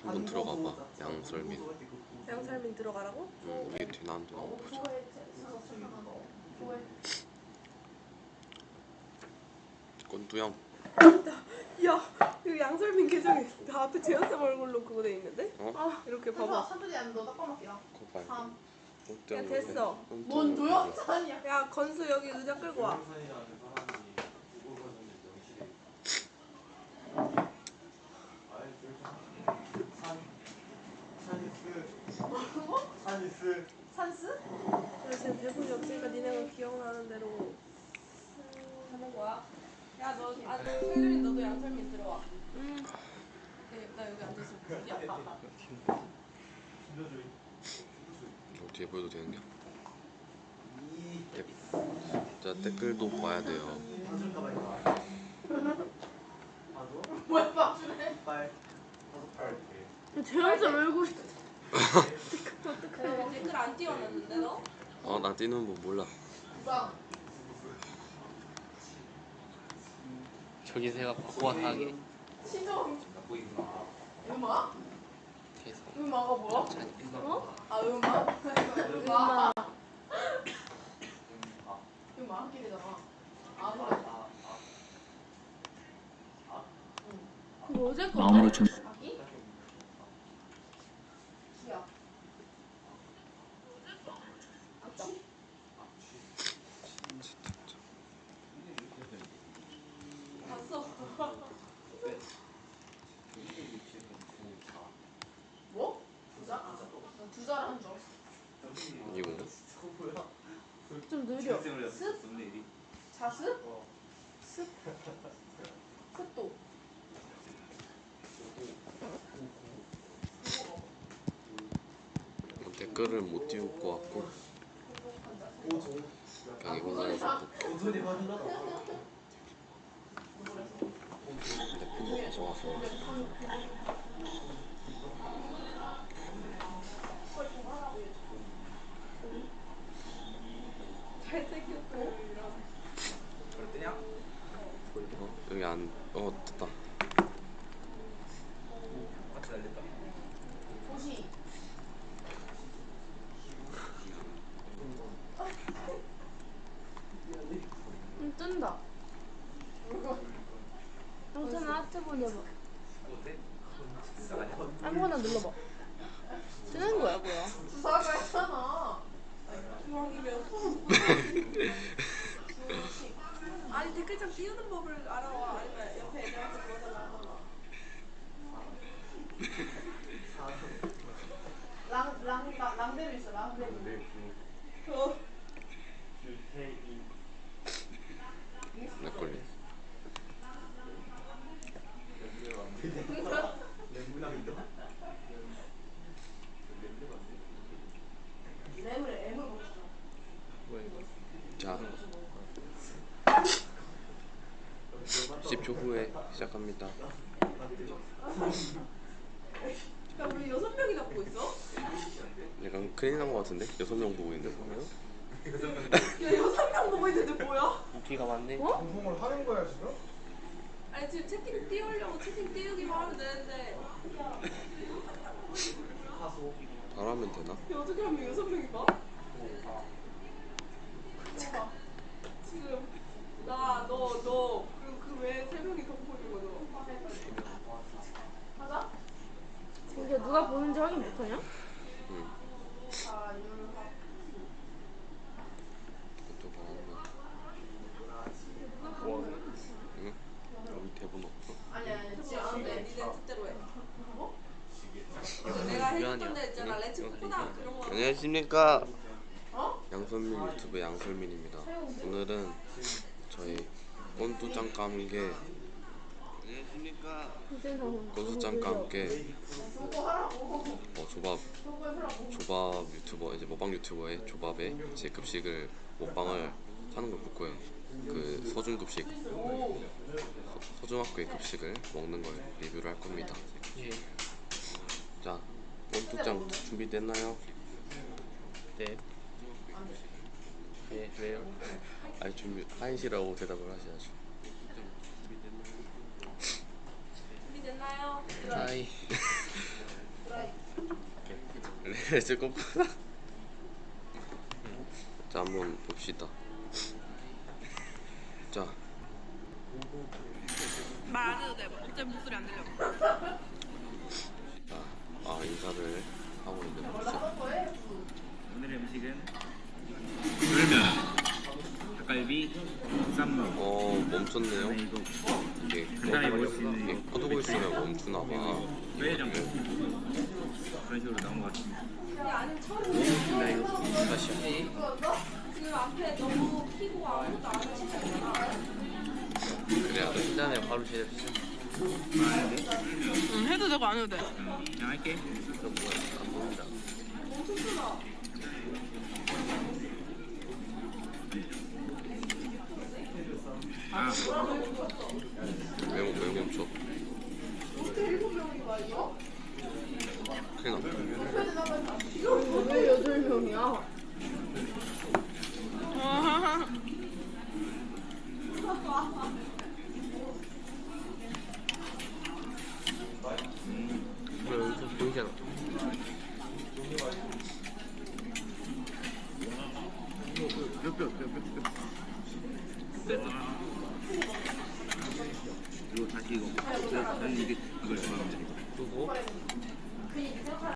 한번 들어가봐. 양설민. 양설민 들어가라고? 이게 되나 안 되나 보자. 권두영. 야, 이거 양설민 계정에 다 앞에 재현쌤 얼굴로 그거 돼 있는데? 어? 이렇게 봐봐. 산들이 안 너 닦아먹기야. 거봐. 야, 됐어. 뭔 노영찬이야? 야, 건수 여기 의자 끌고 와. 산스? 그래, 지금 대본이 없으니까 니네가 기억나는 대로 하는 거야. 야, 너 세율이 너도 양설민 들어와. 나 여기 앉아있으면 되냐? 뒤에 보여도 되는데? 자, 댓글도 봐야 돼요. 뭐야 봐주네? 재현쌤 얼굴. 댓글 안 띄워놨는데 너? 나 뛰는 거 몰라. 저기 새가 바꿔하게 시정. 음악? 음악가 뭐야? 어? 아 음악? 음악. 음악 끼리잖아. 그거 어제 거. 마음으로 준 아기? 기야. 아치? 봤어. 뭐? 두자? 나 두자라는 줄 알았어. 이건가? 좀 느려. 습? 자습? 습? 습도. 댓글을 못 띄울 것 같고 그냥 이걸로 해서 핸드폰도 가져와서 여기 안.. 됐다. 도시. 뜬다. 영찬아 하트 보내봐. 아무거나 눌러봐. 뜨는 거야 뭐야? 두사가 했잖아. 아니 댓글창 띄우는 법을 알아와. 아니면 옆에 애들한테 물어달라. 랑데루 있어. 랑데루. 맥걸리. 애물 먹었어. 자, 10초 후에 시작합니다. 야, 우리 6명이나 보고 있어? 약간 큰일 난 것 같은데? 6명 보고 있는데 보면? 야, 6명 보고 있는데 뭐야? 인기가 많네. 방송을 하는 거야 지금? 아니 지금 채팅 띄우려고 채팅 띄우기만 하면 되는데 바로 하면 되나? 야, 어떻게 하면 6명이 봐? 지금 나, 너 그리고 그 외에 3명이 더 보고 있는 거죠? 하자. 근데 누가 보는지 확인 못하냐? 응. 또 바로 하면. 응? 여기 대본 없어? 아니 지금 안 돼. 니네 뜻대로 해. 내가 해줄 건데 있잖아. 렛츠 코코다 그런 거. 안녕하십니까? 어? 양선민 유튜브 양설민입니다. 오늘은 저희 꼰두짱과 함께 안녕하십니까? 꼰두짱과 함께 조밥 유튜버 이제 먹방 유튜버의 조밥의 제 급식을 먹방을 하는 걸 볼 거예요. 그 서중 급식 서중학교의 급식을 먹는 걸 리뷰를 할 겁니다. 예. 자, 꼰두짱 준비됐나요? 네. 네, 왜요? 아니 준비 하이시라고 대답을 하셔야죠. 준비됐나요? 하이. 이제 거꾸로. 자, 한번 봅시다. 자, 말 안 해도 돼. 어차피 목소리 안 들려. 자, 인사를 하고 있는 거죠. 오늘의 음식은 물면, 닭갈비, 쌈무. 멈췄네요. 그다음에 이거 이게 간단히 먹을 수 있는 이게 켜두고 있으면 멈추나 봐. 뼈해장 그런 식으로 나온 것 같습니다. 먹어보겠습니다 이거. 다시. 지금 앞에 너무 피고 아무것도 안 하시잖아. 그래야 돼. 그 다음에 바로 제작시죠. 하는데 응, 해도 되고 안 해도 돼. 그냥 할게. 저 뭐야? 안 보인다. 아, 왜 멈춰? 큰일 났다. 왜 8명이야? 왜 여기서 보이잖아. 됐다. 이거 다시 이거. 난 이걸 좋아합니다. 누구?